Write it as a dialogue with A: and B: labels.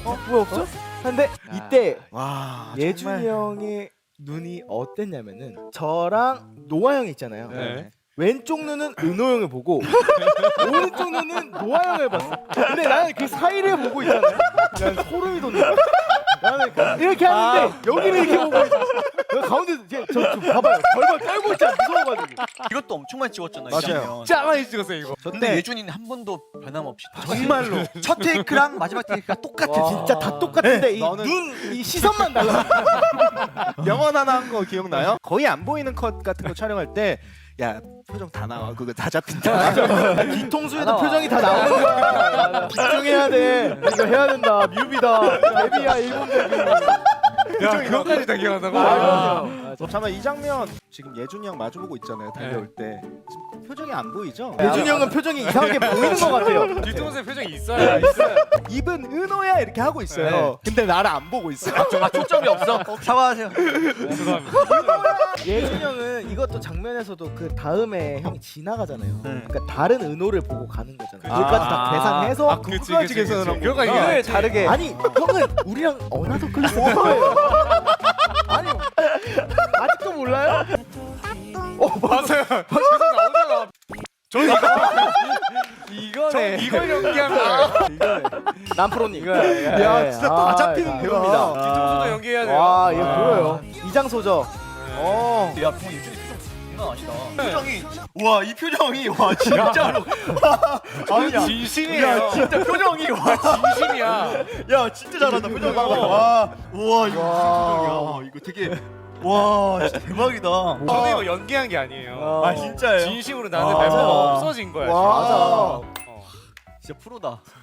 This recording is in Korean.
A: 왜 없어? 근데 이때
B: 와
A: 예준이 형의 눈이 어땠냐면은 저랑 노아 형 있잖아요.
C: 네.
A: 왼쪽 눈은 은호 형을 보고 오른쪽 눈은 노아 형을 봤어. 근데 나는 그 사이를 보고 있잖아요. 난 소름이 돋는 거야. 나는 이렇게 하는데 여기를 이렇게 보고 있어. 가운데 저 봐봐요. 벌벌 떨고 있잖아. 무서워가지고.
D: 이것도 엄청 많이 찍었잖아요.
B: 맞아요.
C: 진짜 많이 찍었어요 이거.
D: 근데 예준이는 한 번도 변함없이
B: 정말로
D: 첫 테이크랑 마지막 테이크가 똑같아.
A: 와, 진짜 다 똑같은데 이
B: 너는-
A: 눈, 이 시선만 달라.
B: 명언 하나 한 거 기억나요? 거의 안 보이는 컷 같은 거 촬영할 때 야 표정 다 나와 그거 다 잡힌다.
A: 뒤통수에도 표정이 다 나오는 거야. 집중해야 돼. 이거 해야 된다. 뮤비다. 데뷔야 일본 데뷔.
C: 야 그거까지 다 기억한다고?
B: 잠깐만 이 장면 지금 예준이 형 마주보고 있잖아요. 달려올 때 지금 표정이 안 보이죠?
A: 예준이 형은 표정이 이상하게 보이는 것 같아요.
C: 뒤통수에 표정이 있어요. 있어요.
B: 입은 은호야 이렇게 하고 있어요. 근데 나를 안 보고 있어.
D: 아 초점이 없어. 사과하세요.
C: 죄송합니다.
A: 예준이 형은 이것도 장면에서도 그 다음에 형이 지나가잖아요.
D: 네.
A: 그러니까 다른 은호를 보고 가는 거잖아요.
C: 아.
A: 여기까지 다 계산해서
C: 아, 그치,
B: 그거까지
C: 그치,
B: 계산을
C: 그치.
B: 한
C: 그거가
B: 거구나.
C: 이게
A: 다르게. 아니 형은 우리랑 어나더 클래스 거예요. 아니 아직도 몰라요?
C: 맞아요. 계속 나오잖아. 저는 이거네. 이걸 연기한 거예요.
A: 남프로님.
B: 야 진짜 다 잡히는
A: 대박이다.
C: 뒤통수도 연기해야 돼요.
A: 와 이거 보여요. 이장소죠.
D: 야, 형 예준이 표정 장난 아니다. 표정이 와 이 표정이 와 진짜로
C: 아니 진심이에요.
D: 진짜 표정이 와
C: 진심이야.
D: 야 진짜 잘한다 표정이. 와 우와 이거 무슨 표정이야. 와, 이거 되게 와 진짜 대박이다.
C: 저도 이거 연기한 게 아니에요.
D: 아 진짜예요?
C: 진심으로 나는 멤버가 없어진 거야.
A: 와.
C: 진짜.
D: 진짜 프로다.